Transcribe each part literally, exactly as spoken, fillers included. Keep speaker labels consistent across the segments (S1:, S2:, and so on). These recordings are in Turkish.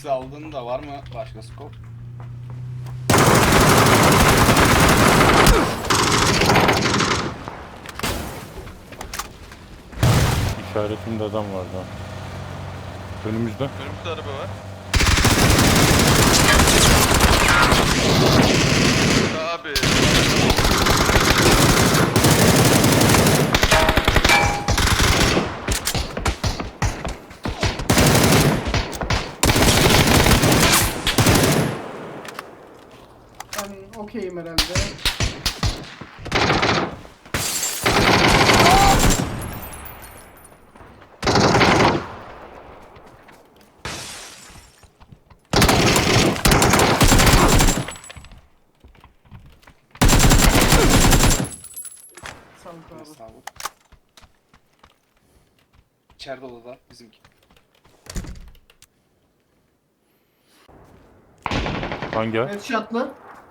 S1: X aldın da var mı başka scope?
S2: İşaretimde adam vardı ha. Önümüzde.
S3: Önümüzde araba var. Abi.
S4: Ben okeyim herhalde. Sağlık abi.
S1: Sağ ol. İçeride odada bizimki.
S2: Hangi ay?
S4: Headshot'lı.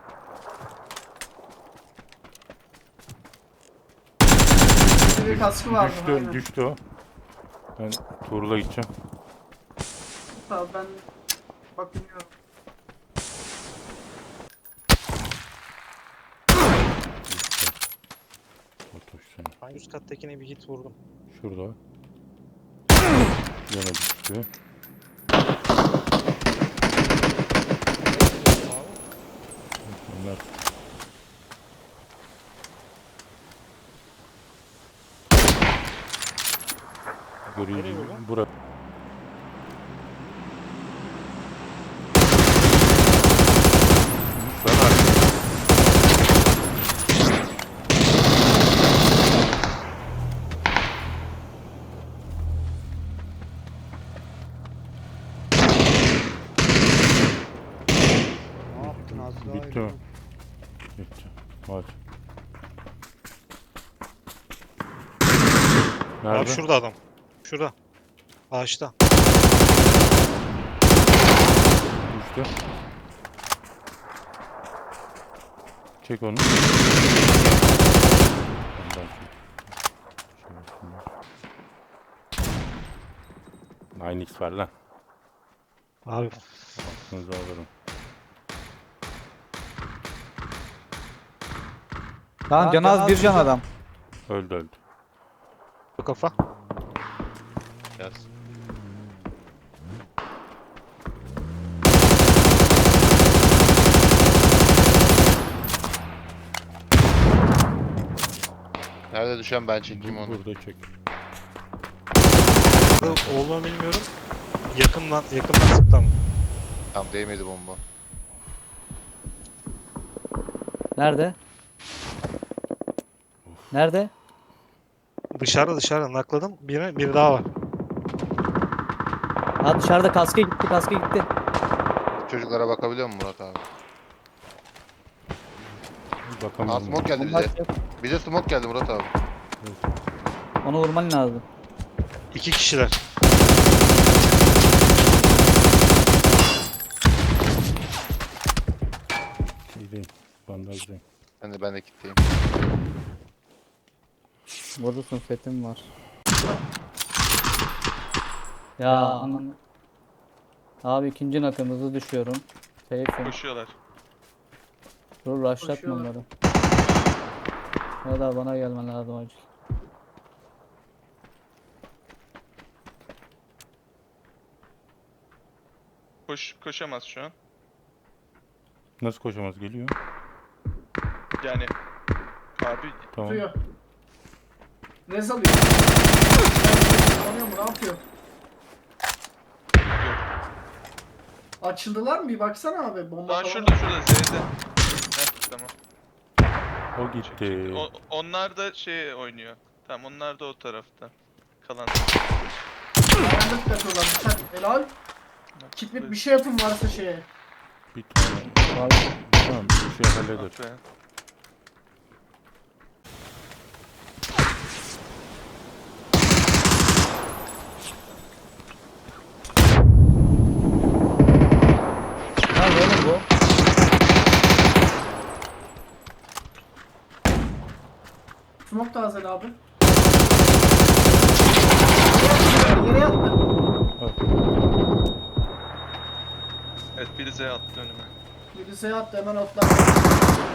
S4: Bir kaskı vardı.
S2: Düştü,
S4: aynen.
S2: düştü o. Ben Tuğrul'a gideceğim.
S4: Tamam ben bakıyorum.
S2: Otoş seni.
S5: Ben üst kattakine bir hit vurdum.
S2: Şurada. Yine düştü. Onlar
S5: Nereye
S2: görüyor.
S5: vurdun?
S2: Bura. Sen abi.
S5: Ne yaptın az daha?
S2: Bitti mi? Bitti. Hadi. Nerede?
S5: Abi şurada adam. Şurada. Ağaçta.
S2: Düştü. Çek onu. Ondan çek. Nine X ver lan.
S5: Abi
S2: Aklınızı alırım.
S6: Tamam can az bir can adam.
S2: Öldü öldü.
S5: bu kafa.
S3: Yaz.
S7: Nerede düşen ben çekeyim onu.
S2: Burada çek.
S5: Olduğunu bilmiyorum. Yakından, yakından sıktı ama.
S7: Tam değmedi bomba.
S6: Nerede? Nerede?
S5: Dışarıda dışarıda nakladım. Biri, biri daha var.
S6: Ha dışarıda kaska gitti kaska gitti.
S7: Çocuklara bakabiliyor musun Murat abi? Aa
S2: Bakalım.
S7: smoke geldi
S6: Bomba
S7: bize.
S6: atacak.
S7: Bize smoke geldi Murat abi.
S6: Onu vurman lazım.
S5: İki kişiler.
S2: Şeydeyim. Bandajdayım.
S7: Ben de ben de kitleyim.
S6: Vurursun setim var. Ya ananı. Abi ikinci nakımızı düşüyorum. Seyfim.
S3: Koşuyorlar.
S6: Dur rushlatma
S4: Koşuyorlar.
S6: onları. Ya da bana gelmen lazım acil.
S3: Koş, koşamaz şu an.
S2: Nasıl koşamaz geliyor?
S3: Yani abi
S2: Tamam.
S4: Tutuyor. Rez alıyor. Anlıyor mu? Ne yapıyor? Açıldılar mı? Bir baksana abi. Bomba
S3: daha
S4: falan.
S3: şurada şurada Z'de. Heh, tamam.
S2: O gitti.
S3: O, onlar da şey oynuyor. Tamam onlar da o tarafta. Kalan.
S4: Ayağında tıklatıyorlar. Sen helal. Kitlit bir şey yapın varsa şeye.
S2: Bir tane.
S6: Abi,
S2: Tamam bir şey halleder.
S3: Ah be.
S6: nerede oğlum bu?
S4: Smoke tazel abi. Yere yattı.
S2: Al.
S3: Evet biri Z attı önüme.
S4: Birisi yattı hemen otlar.